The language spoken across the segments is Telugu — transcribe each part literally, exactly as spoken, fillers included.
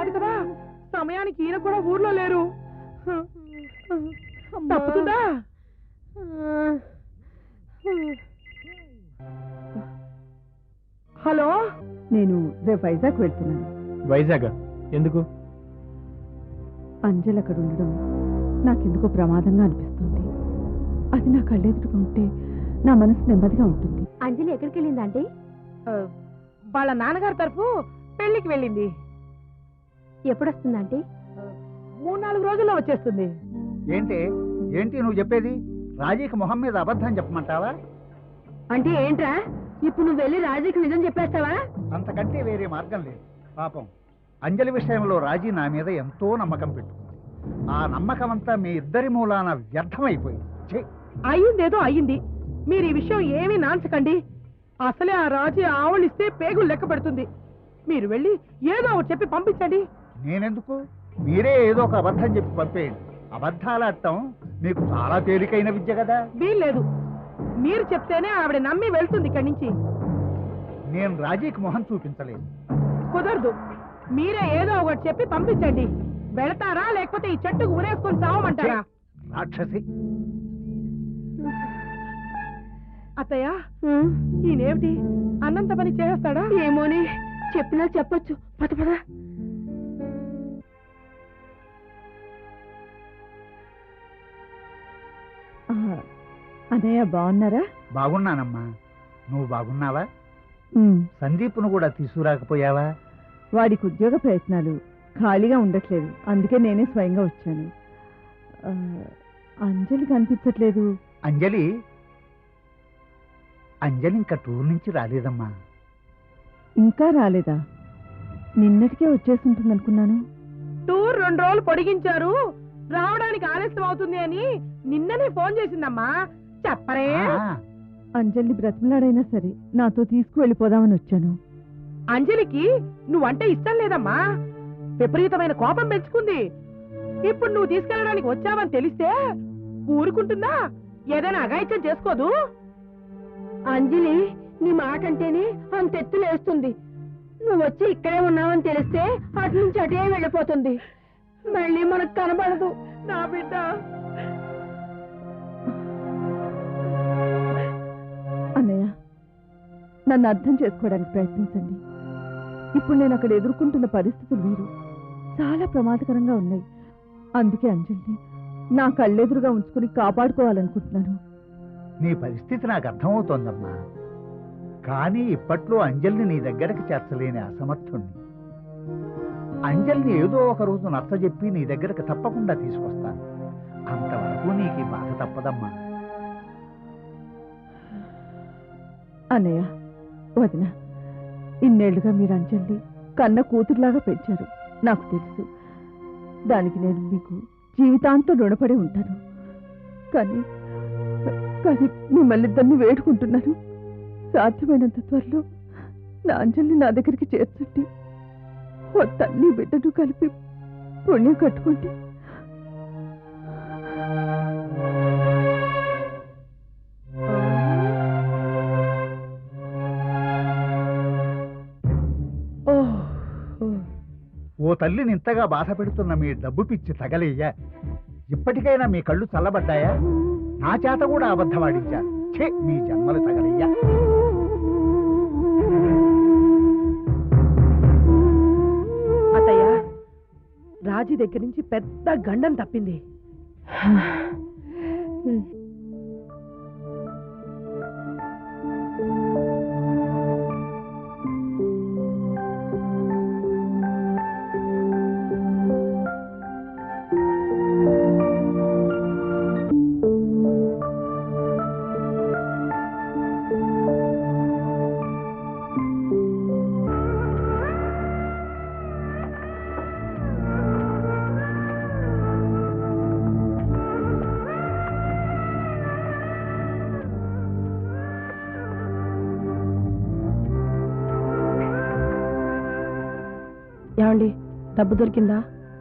కాదు కదా, సమయానికి ఈయన కూడా ఊర్లో లేరు. తప్పుతుందా? హలో, నేను రేపు వైజాగ్ వెళ్తున్నాను. వైజాగ్ ఎందుకు? అంజలి అక్కడ ఉండడం నాకెందుకో ప్రమాదంగా అనిపిస్తుంది. అది నా కళ్ళెదురుగా ఉంటే నా మనసు నెమ్మదిగా ఉంటుంది. అంజలి ఎక్కడికి వెళ్ళిందంటే? వాళ్ళ నాన్నగారి తరఫు పెళ్లికి వెళ్ళింది. ఎప్పుడొస్తుందంటే? మూడు నాలుగు రోజుల్లో వచ్చేస్తుంది. ఏంటి ఏంటి నువ్వు చెప్పేది? రాజీకి మొహం మీద అబద్ధం చెప్పమంటావా? అంటే ఏంట్రా, ఇప్పుడు నువ్వు వెళ్ళి రాజీకి నిజం చెప్పేస్తావా? అంతకంటే వేరే మార్గం లేదు. పాపం అంజలి విషయంలో రాజీ నా మీద ఎంతో నమ్మకం పెట్టుకుంది. ఆ నమ్మకం అంతా మీ ఇద్దరి మూలాన వ్యర్థమైపోయింది. అయ్యిందేదో అయ్యింది. మీరు ఈ విషయం ఏమీ నాంచకండి. అసలే ఆ రాజీ ఆవలిస్తే పేగులు లెక్క పెడుతుంది. మీరు వెళ్ళి ఏదో ఒకటి చెప్పి పంపించండి. నేనెందుకు? మీరే ఏదో ఒక అబద్ధం చెప్పి పంపేయండి. అబద్ధాలు ఆడటం మీకు చాలా తేలికైన విద్య కదా. వీల్లేదు, మీరు చెప్తేనే ఆవిడ నమ్మి వెళ్తుంది ఇక్కడి నుంచి. నేను రాజీకి మొహం చూపించలేదు. కుదరదు, మీరే ఏదో ఒకటి చెప్పి పంపించండి. వెళతారా లేకపోతే ఈ చెట్టుకు ఉరేసుకొని చావమంటారా? రాక్షసి. అత్తయ్య, ఈయనేమిటి అన్నంత పని చేస్తాడా? ఏమోని, చెప్పినా చెప్పొచ్చు. పద పద. అన్నయ్య బాగున్నారా? బాగున్నానమ్మా, నువ్వు బాగున్నావా? సందీప్ను కూడా తీసుకురాకపోయావా? వాడికి ఉద్యోగ ప్రయత్నాలు, ఖాళీగా ఉండట్లేదు. అందుకే నేనే స్వయంగా వచ్చాను. అంజలి కనిపించట్లేదు. అంజలి అంజలి ఇంకా టూర్ నుంచి రాలేదమ్మా. ఇంకా రాలేదా? నిన్నటికే వచ్చేసి అనుకున్నాను. టూర్ రెండు రోజులు పొడిగించారు, రావడానికి ఆలస్యం అవుతుంది అని నిన్ననే ఫోన్ చేసిందమ్మా. చెప్పరే? అంజలిని బ్రతిమలాడైనా సరే నాతో తీసుకువెళ్ళిపోదామని వచ్చాను. అంజలికి నువ్వంటే ఇష్టం లేదమ్మా, విపరీతమైన కోపం పెంచుకుంది. ఇప్పుడు నువ్వు తీసుకెళ్ళడానికి వచ్చావని తెలిస్తే ఊరుకుంటుందా? ఏదైనా అఘాయిత్యం చేసుకోదు. అంజలి నీ మాట అంటేనే అంతెత్తులేస్తుంది. నువ్వు వచ్చి ఇక్కడే ఉన్నావని తెలిస్తే అటు నుంచి అటే వెళ్ళిపోతుంది. మళ్ళీ మనకు కనబడదు. నా బిడ్డ. అన్నయ్య, నన్ను అర్థం చేసుకోవడానికి ప్రయత్నించండి. ఇప్పుడు నేను అక్కడ ఎదుర్కొంటున్న పరిస్థితులు వేరు, చాలా ప్రమాదకరంగా ఉన్నాయి. అందుకే అంజలిని నా కళ్ళెదురుగా ఉంచుకుని కాపాడుకోవాలనుకుంటున్నాను. నీ పరిస్థితి నాకు అర్థమవుతోందమ్మా. కానీ ఇప్పట్లో అంజలిని నీ దగ్గరకు చేర్చలేని అసమర్థుణ్ణి. అంజలిని ఏదో ఒక రోజు నచ్చజెప్పి నీ దగ్గరకు తప్పకుండా తీసుకొస్తాను. అంతవరకు నీకు ఈ బాధ తప్పదమ్మా. అన్నయ్య, వదిన, ఇన్నేళ్లుగా మీరు అంజలిని కన్న కూతురులాగా పెంచారు. నాకు తెలుసు. దానికి నేను మీకు జీవితాంతం రుణపడి ఉంటాను. కానీ కానీ మిమ్మల్ని ఇద్దరిని వేడుకుంటున్నాను, సాధ్యమైనంత త్వరలో నా అంజలిని నా దగ్గరికి చేర్చండి. ఓ తల్లి బిడ్డను కలిపి పుణ్యం కట్టుకోండి. ఓ తల్లిని ఇంతగా బాధ పెడుతున్న మీ డబ్బు పిచ్చి తగలేయ్యా. ఇప్పటికైనా మీ కళ్ళు చల్లబడ్డాయా? నా చేత కూడా అబద్ధవాడించారు. ఛే, మీ జన్మలు తగలయ్యా. అత్తయ్య, రాజీ దగ్గర నుంచి పెద్ద గండం తప్పింది. ఏమండి, డబ్బు దొరికిందా?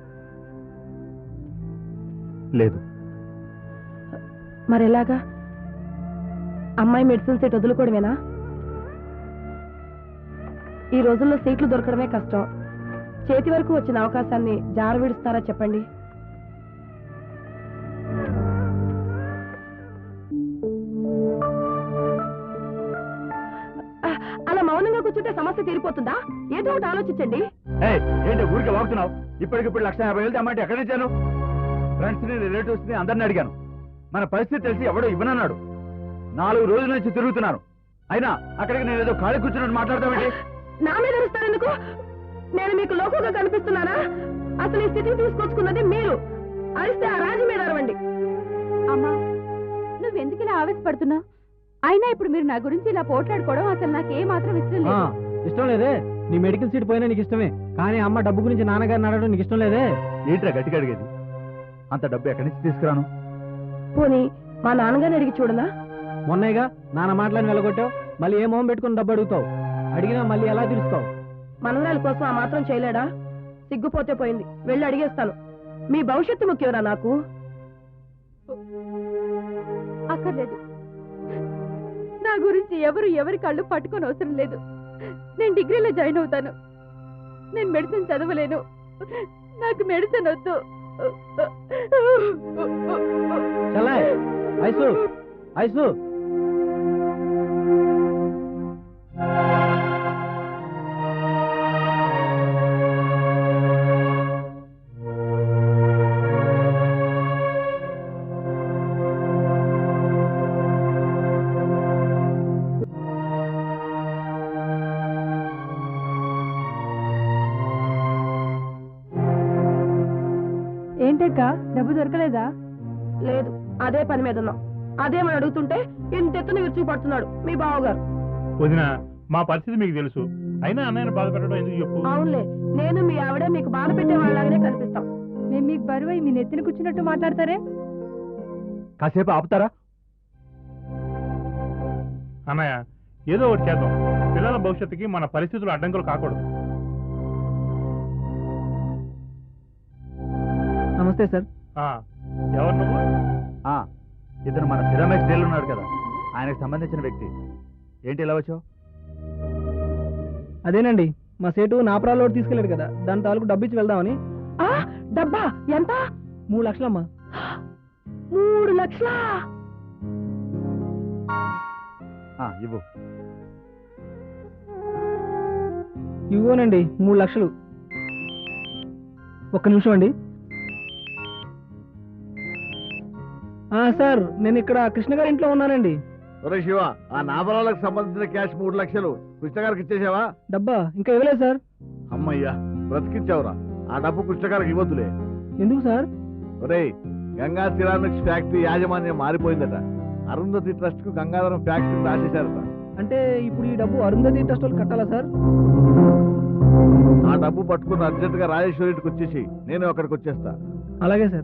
లేదు. మరి ఎలాగా? అమ్మాయి మెడిసిన్ సీట్ వదులుకోవడమేనా? ఈ రోజుల్లో సీట్లు దొరకడమే కష్టం. చేతి వరకు వచ్చిన అవకాశాన్ని జార విడుస్తారా చెప్పండి. అలా మౌనంగా కూర్చుంటే సమస్య తీరిపోతుందా? ఏదో ఒకటి ఆలోచించండి. ఏంటి ఊరికి వాగుతున్నావు? ఇప్పటికిప్పుడు లక్ష యాభై వేలు తెమ్మంటే ఎక్కడి నుంచాను? ఫ్రెండ్స్ ని రిలేటివ్స్ ని అందరిని అడిగాను. మన పరిస్థితి తెలిసి ఎవడో ఇవ్వనన్నాడు. నాలుగు రోజుల నుంచి తిరుగుతున్నాను. అయినా అక్కడికి నేను ఏదో ఖాళీ కూర్చున్నట్టు మాట్లాడతామేంటి? నా మీద ఇస్తారెందుకు? నేను మీకు లోకుగా కనిపిస్తున్నానా? అసలు ఈ స్థితికి తీసుకొచ్చుకున్నది మీరు. అరిస్తే ఆ రాజు మీద అరవండి. అమ్మా, నువ్వెందుకు ఇలా ఆవేశపడుతున్నావు? అయినా ఇప్పుడు మీరు నా గురించి ఇలా పోట్లాడుకోవడం అసలు నాకు ఏ మాత్రం ఇష్టం లేదు. ఇష్టం లేదే? నీ మెడికల్ సీట్ పోయినా నీకు ఇష్టమే, కానీ అమ్మ డబ్బు గురించి నాన్నగారిని అడగడం నీకు ఇష్టం లేదే? ఏంట్రా గట్టిగా అడిగేది? అంత డబ్బు ఎక్కడి నుంచి తీసుకురాను? పోనీ మా నాన్నగారిని అడిగి చూడనా? మొన్నగా నాన్న మాటలను వెళ్ళగొట్టావు, మళ్ళీ ఏ మొహం పెట్టుకుని డబ్బు అడుగుతావు? అడిగినా మళ్ళీ ఎలా తీరుస్తావు? మనవరాల కోసం ఆ మాత్రం చేయలేడా? సిగ్గుపోతే పోయింది, వెళ్ళి అడిగేస్తాను. మీ భవిష్యత్తు ముఖ్యంరా నాకు. అక్కర్లేదు, నా గురించి ఎవరు ఎవరి కళ్ళు పట్టుకొని అవసరం లేదు. నేను డిగ్రీలో జాయిన్ అవుతాను. నేను మెడిసిన్ చదవలేను, నాకు మెడిసిన్ వద్దు. చలాయ్ ఐసు ఐసు ఏంటక్క, డబ్బు దొరకలేదా? లేదు, అదే పని మీద ఉన్నాం. అదేమని అడుగుతుంటే ఇంతెత్తున విరుచుకు పడుతున్నాడు మీ బావగారు. వదినా, మా పరిస్థితి మీకు తెలుసు. అయినా అన్నయ్యను బాధ పెట్టడం ఎందుకు చెప్పు? అవునులే, నేను మీ ఆవిడ మీకు బాధ పెట్టే వాళ్ళలాగానే కనిపిస్తాం. మేము మీకు బరువు మీ నెత్తిన కూర్చున్నట్టు మాట్లాడతారే. కాసేపు ఆపుతారా? అన్నయ్య, ఏదో ఒకటి చేద్దాం. పిల్లల భవిష్యత్తుకి మన పరిస్థితులు అడ్డంకులు కాకూడదు. నమస్తే సార్. ఆ, ఎవరు నువ్వు? ఆ, ఇతను మన సిరామిక్స్ డీలర్ ఉన్నాడు కదా, ఆయనకు సంబంధించిన వ్యక్తి. ఏంటి ఇలా వచ్చావు? అదేనండి, మా సేటు నాపరాలో తీసుకెళ్ళాడు కదా, దాని తాలూకు డబ్బు ఇచ్చి వెళ్దామని. ఆ, డబ్బా ఎంత? మూడు లక్షలమ్మా. మూడు లక్షలా? ఆ, ఇవ్వు. ఇవ్వనండి, మూడు లక్షలు. ఒక్క నిమిషం అండి. సార్, నేను ఇక్కడ కృష్ణ గారి ఇంట్లో ఉన్నానండి. ఒరే శివ, ఆ నాబరాలకు సంబంధించిన క్యాష్ మూడు లక్షలు కృష్ణ గారికి ఇచ్చేసావా? డబ్బా ఇంకా ఇవ్వలేదు సార్. అమ్మయ్యా, బ్రతికించావురా. ఆ డబ్బు కృష్ణ గారికి ఇవ్వద్దులే. ఎందుకు సార్? ఒరే, గంగా సిరామిక్స్ ఫ్యాక్టరీ యాజమాన్యం మారిపోయిందట. అరుంధతి ట్రస్ట్ కు గంగాధరం ఫ్యాక్టరీ రాసేశారట. అంటే ఇప్పుడు ఈ డబ్బు అరుంధతి ట్రస్ట్ వాళ్ళు కట్టాలా సార్? ఆ డబ్బు పట్టుకుని అర్జెంట్ గా రాజేశ్వరి ఇంటికి వచ్చేసి నేను అక్కడికి వచ్చేస్తా. అలాగే సార్.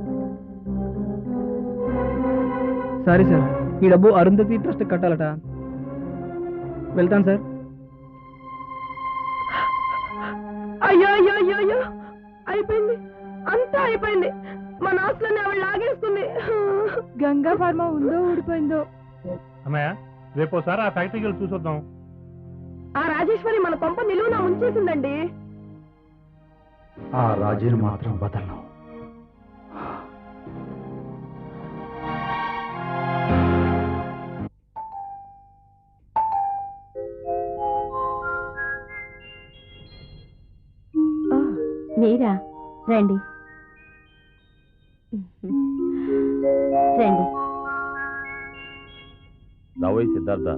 సారీ సార్, ఈ డబ్బు అరుంధతి ట్రస్ట్ కట్టాలట. వెళ్తాను సార్. అయ్యో అయ్యో అయ్యో అయ్యో, అయిపోయింది, అంతా అయిపోయింది. మా నాసులని ఆవిడ లాగేస్తుంది. గంగా ఫార్మా ఉందో ఊడిపోయిందో. అన్నయ్య, రేపోసారి ఆ ఫ్యాక్టరీకి వెళ్ళి చూసొద్దాం. ఆ రాజేశ్వరి మన కొంప నిలువున ముంచేసిందండి. ఆ రాజును మాత్రం వదలను. మీరా? రండి రండి. రావోయ్ సిద్ధార్థ.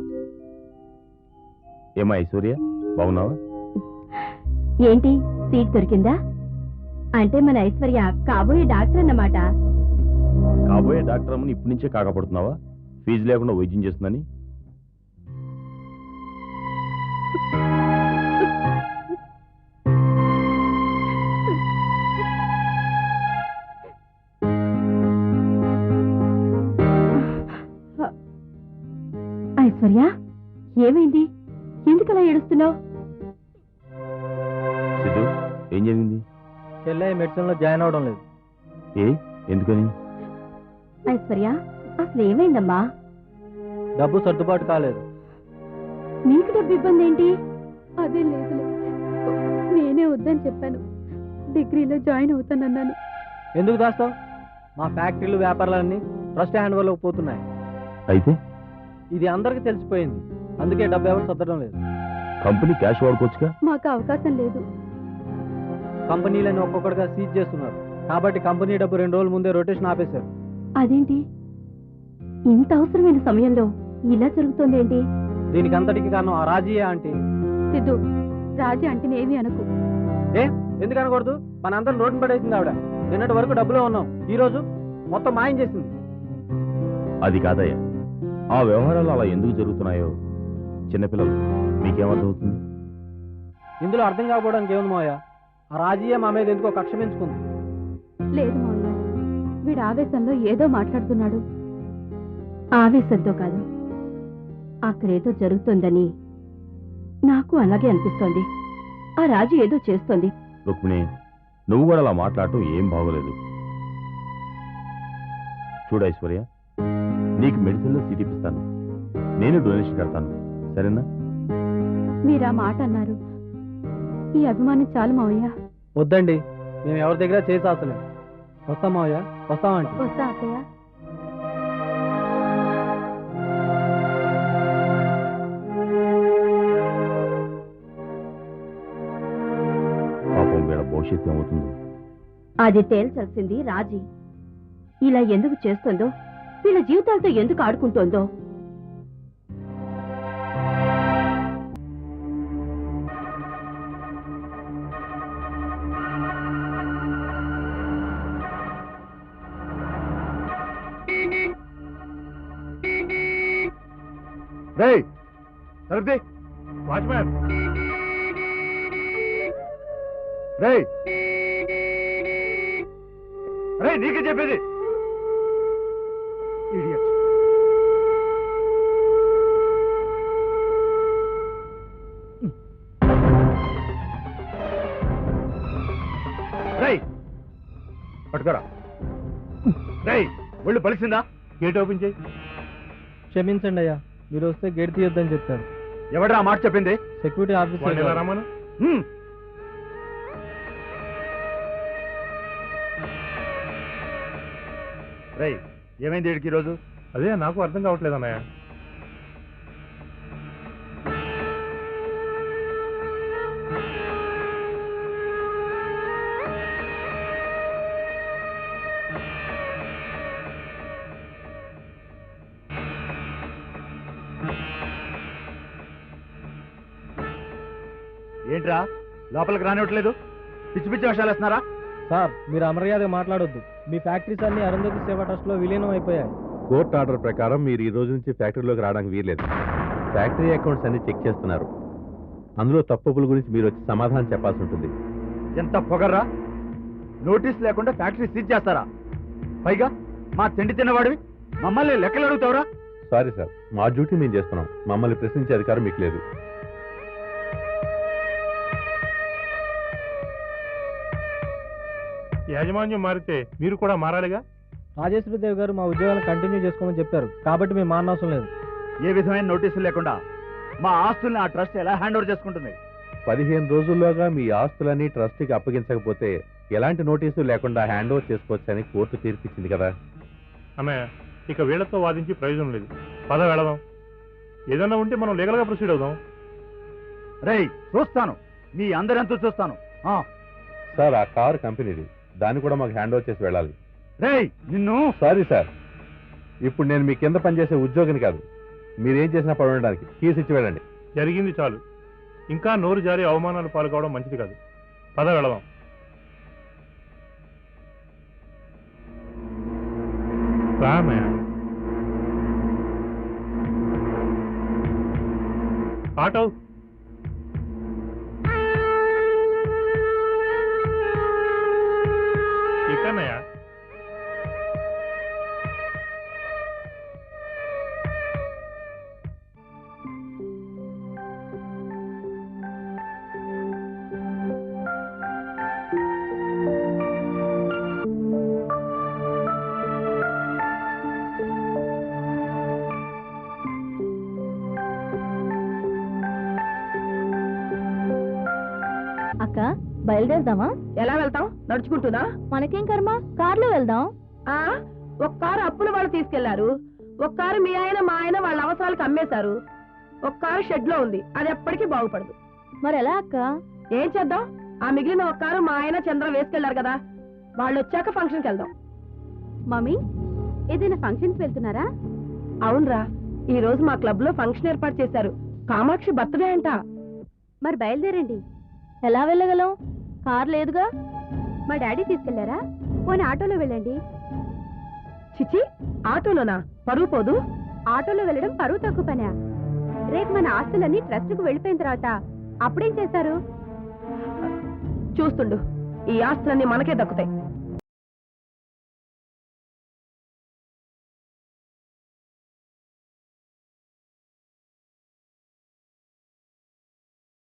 ఏమా ఐశ్వర్య, బాగున్నావా? ఏంటి, సీట్ దొరికిందా? అంటే మన ఐశ్వర్య కాబోయే డాక్టర్ అన్నమాట. కాబోయే డాక్టర్ అమ్మని ఇప్పటి నుంచే కాకపడుతున్నావా? ఫీజు లేకుండా వైద్యం చేస్తుందని. ఐశ్వర్య, ఏమైంది? ఎందుకలా ఏడుస్తున్నావు? సిద్ధు, ఏం జరిగింది? చెల్లె మెడిసిన్ లో జాయిన్ అవడం లేదు. ఏ, ఎందుకని? ఐశ్వర్య, అసలు ఏమైందమ్మా? డబ్బు సర్దుబాటు కాలేదు. నీకు డబ్బు ఇబ్బంది ఏంటి? అదే లేదు, నేనే వద్దని చెప్పాను. డిగ్రీలో జాయిన్ అవుతానన్నాను. ఎందుకు దాస్తావు? మా ఫ్యాక్టరీలు వ్యాపారాలన్నీ ట్రస్ట్ హ్యాండ్ ఓవర్లోకి పోతున్నాయి. అయితే ఇది అందరికీ తెలిసిపోయింది. అందుకే డబ్బు ఎవరు సర్దడం లేదు. కంపెనీ క్యాష్ వాడుకోవచ్చుగా. మాకు అవకాశం లేదు. కంపెనీలను ఒక్కొక్కటిగా సీజ్ చేస్తున్నారు. కాబట్టి కంపెనీ డబ్బు రెండు రోజుల ముందే రొటేషన్ ఆపేశారు. అదేంటి ఇంత అవసరమైన సమయంలో ఇలా జరుగుతోందేంటి? దీనికి అంతటికి కారణం ఆ రాజీయే ఆంటీ. సిద్ధు, రాజీ అంటే ఏమీ అనుకు. ఏ ఎందుకు అనకూడదు? మన అందరం రోడ్డు పడేసింది ఆవిడ. నిన్నటి వరకు డబ్బులో ఉన్నాం, ఈ రోజు మొత్తం మాయం చేసింది. అది కాదయ్యా, ఆ వ్యవహారాలు అలా ఎందుకు జరుగుతున్నాయో చిన్నపిల్లలు మీకేమర్థమవుతుంది? ఇందులో అర్థం కాకపోవడానికి ఏముంది మావయ్య? ఆ రాజీయే మా మీద ఎందుకో కక్ష పెంచుకుంది. లేదు మావయ్య, వీడు ఆవేశంలో ఏదో మాట్లాడుతున్నాడు. ఆవేశంతో కాదు, అక్కడేదో జరుగుతోందని నాకు అలాగే అనిపిస్తోంది. ఆ రాజు ఏదో చేస్తోంది. రుక్మిణి, నువ్వు కూడా అలా మాట్లాడటం ఏం బాగోలేదు. చూడు ఐశ్వర్య, నీకు మెడిసిన్లో సీట్ ఇప్పిస్తాను, నేను డొనేషన్ కడతాను, సరేనా? మీరు ఆ మాట అన్నారు. ఈ అభిమానం చాలు మావయ్య. వద్దండి, మేము ఎవరి దగ్గర చేసి ఆశలేదు. వస్తాం మావయ్య, వస్తామండి. వస్తా అత్తయ్య. పాపం వీళ్ళ భవిష్యత్తు ఏమవుతుందో. అది తేల్చాల్సింది రాజీ. ఇలా ఎందుకు చేస్తుందో, వీళ్ళ జీవితాలతో ఎందుకు ఆడుకుంటోందో. రేయ్ తలుపుతీ. వాచ్మ్యాన్, రేయ్ రేయ్ నీకే చెప్పేది. Idiot. రేయ్ పట్టుకోరా. రేయ్ ఒళ్ళు పలిసిందా? గేట్ ఓపెన్ చేయి. క్షమించండి అయ్యా, మీరు వస్తే గేట్ తీయొద్దని చెప్పారు. ఎవడ్రా మాట చెప్పింది? సెక్యూరిటీ వాళ్ళు ఎలా ఆఫీసర్. రమ్మను? హ్మ్. రేయ్ ఏమైంది వీడికి ఈరోజు? అదే నాకు అర్థం కావట్లేదు అన్నయ్య. ఏంట్రా లోపలికి రానివ్వట్లేదు? పిచ్చి పిచ్చి వేషాలు వేస్తున్నారా? సార్, మీరు అమర్యాదగా మాట్లాడొద్దు. మీ ఫ్యాక్టరీస్ అన్ని అరుంధతి సేవా ట్రస్ట్ లో విలీనం అయిపోయాయి. కోర్టు ఆర్డర్ ప్రకారం మీరు ఈ రోజు నుంచి ఫ్యాక్టరీలోకి రావడానికి వీల్లేదు. ఫ్యాక్టరీ అకౌంట్స్ అన్ని చెక్ చేస్తున్నారు. అందులో తప్పుల గురించి మీరు వచ్చి సమాధానం చెప్పాల్సి ఉంటుంది. ఎంత పొగర్రా! నోటీస్ లేకుండా ఫ్యాక్టరీ సీజ్ చేస్తారా? పైగా మా తిండి తిన్నవాడివి మమ్మల్ని లెక్కలు అడుగుతావురా? సారీ సార్, మా డ్యూటీ మేము చేస్తున్నాం. మమ్మల్ని ప్రశ్నించే అధికారం మీకు లేదు. యాజమాన్యం మారితే మీరు కూడా మారాలిగా. రాజేశ్వరదేవి గారు మా ఉద్యోగాలను కంటిన్యూ చేసుకోమని చెప్పారు, కాబట్టి మేము మారనవసరం లేదు. ఏ విధమైన నోటీసులు లేకుండా మా ఆస్తుల్ని ఆ ట్రస్ట్ ఎలా హ్యాండ్ ఓవర్ చేసుకుంటుంది? పదిహేను రోజుల్లోగా మీ ఆస్తులని ట్రస్టీకి అప్పగించకపోతే ఎలాంటి నోటీసు లేకుండా హ్యాండ్ ఓవర్ చేసుకోవచ్చని కోర్టు తీర్పిచ్చింది కదా. అన్నయ్య, ఇక వీళ్లతో వాదించి ప్రయోజనం లేదు. పద వెళదాం. ఏదన్నా ఉంటే మనం లీగల్గా ప్రొసీడ్ అవుదాం. రేయ్ చూస్తాను, మీ అందరెంతో చూస్తాను. ఆ. సార్, ఆ కారు కంపెనీది, దాన్ని కూడా మాకు హ్యాండ్ ఓవర్ చేసి వెళ్ళాలి. రేయ్ నిన్ను. సారీ సార్, ఇప్పుడు నేను మీ కింద పనిచేసే ఉద్యోగిని కాదు. మీరేం చేసినా పడడానికి కీస్ ఇచ్చి వెళ్ళండి. జరిగింది చాలు. ఇంకా నోరు జారి అవమానాలు పాల్గొవడం మంచిది కాదు. పద వెళదాం. రామయ్య, ఆటో. ఇక్కడనయ్యా. బయలుదేరదామా? ఎలా వెళ్తాం? నడుచుకుంటున్నా? మనకేం కర్మ, కార్లో వెళ్దాం. ఆ ఒక కారు అప్పుల వాళ్ళు తీసుకెళ్లారు, ఒక కారు మీ ఆయన మా ఆయన వాళ్ళ అవసరాలకు అమ్మేశారు, ఒక కారు షెడ్ లో ఉంది, అది ఎప్పటికీ బాగుపడదు. మరి ఎలా అక్క? ఏం చేద్దాం, ఆ మిగిలిన ఒక కారు మా ఆయన చంద్ర వేసుకెళ్లారు కదా, వాళ్ళు వచ్చాక ఫంక్షన్కి వెళ్దాం. మమ్మీ, ఏదైనా ఫంక్షన్కి వెళ్తున్నారా? అవునరా, ఈ రోజు మా క్లబ్ లో ఫంక్షన్ ఏర్పాటు చేశారు, కామాక్షి బర్త్డే అంట. మరి బయలుదేరండి. ఎలా వెళ్ళగలం? కార్ లేదుగా. మా డాడీ తీసుకెళ్లారా? పోనీ ఆటోలో వెళ్ళండి. చిచి, ఆటోలోనా? పరువు పోదు. ఆటోలో వెళ్ళడం పరువు తక్కువ పనా? రేపు మన ఆస్తులన్నీ ట్రస్ట్కు వెళ్ళిపోయిన తర్వాత అప్పుడేం చేస్తారు? చూస్తుండు, ఈ ఆస్తులన్నీ మనకే దక్కుతాయి.